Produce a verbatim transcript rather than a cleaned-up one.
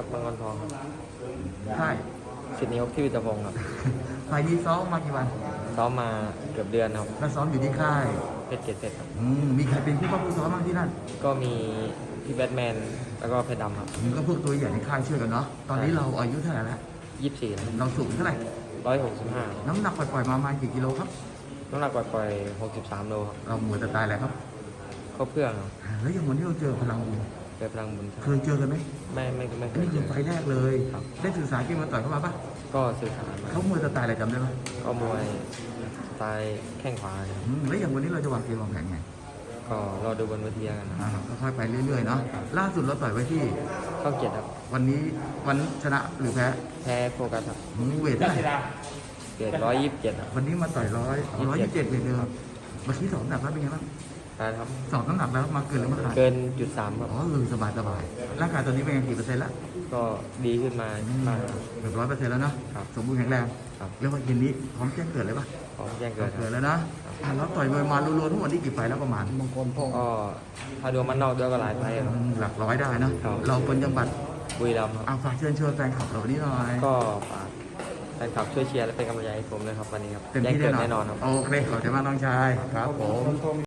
บางกรทองครับค่ายสิทธินิยมที่วิตรพงศ์ครับไฟล์นี้ซ้อมมากี่วันซ้อมมาเกือบเดือนครับแล้วซ้อมอยู่ที่ค่ายเพชรเกษตรครับอืมมีใครเป็นผู้ป้องผู้ซ้อมบ้างที่นั่นก็มีพี่แบทแมนแล้วก็เพชรดำครับอืมก็พวกตัวใหญ่ในค่ายช่วยกันเนาะตอนนี้เราอายุเท่าไหร่แล้วยี่สิบสี่เราสูงเท่าไหร่ร้อยหกสิบห้าน้ำหนักปล่อยๆมาประมาณกี่กิโลครับน้ำหนักปล่อยๆหกสิบสามโลครับเราหมวยแต่ตายแหละครับเข้าเพื่องครับแล้วอย่างวันที่เราเจอพลังบุญเกิดพลังบุญเคยเจอกันไหมไม่ไม่ไม่เคอันยนี้เจคืออไฟล์แรกเลยครับได้ศึกษาเกมมาต่อยเข้ามาปะก็สื่อสารมาเขามวยแต่ตายอะไรจำได้ไหมก็มวยสไตล์แข้งขวาครับอืมแล้วอย่างวันนี้เราจะวางเกมวางแผนไงก็รอดูบนเวทีกันนะคอ่ารับก็ค่อยไปเรื่อยๆเนาะล่าสุดเราต่อยไว้ที่เข้าเกียรติครับวันนี้วันชนะหรือแพ้แพ้โฟกัสครับอืมเวทเท่าไหร่เกียรติร้อยยี่สิบเจ็ดครับวันนี้มาต่อยร้อยร้อยยี่สิบเจ็ดเวทเดิมเมื่อกี้สองน้ำหนักแล้วเป็นไงบ้างนะครับสองน้ำหนักแล้วมาเกินหรือมาขาดเกินจุดสามครับอ๋อเออสบายสบายร่างกายตอนนี้เป็นไงกี่เปอร์เซ็นต์แล้วก็ดีขึ้นมาบ้างครับเกือบร้อยเปอร์เซ็นต์แล้วเนาะครับสมบูรณ์แข็งแรงครับเรียกว่าเย็นนี้พร้อมแจ้งเกิดเลยปะพร้อมแจ้งเกิดคเกิดรับแล้วนะอ่ะเราต่อยมวยมารวมๆทั้งหมดนี่กี่ไฟล์แล้วประมาณก็ถ้าดูมันนอกด้วยก็หลายไฟล์ครับอืมหลักร้อยได้นะครับ เราเป็นจังหวัดบุรีรัมย์ครับเอาฝากเชิญชวนแฟนคลับเราวันนี้หน่อยก็ฝากแฟนคลับช่วยเชียร์และเป็นกำลังใจให้ผมด้วยครับวันนี้ครับเต็มแจ้งที่เกิแน่ดนอนแน่นอนครับโอเคขอบใจมากน้องชายครับผม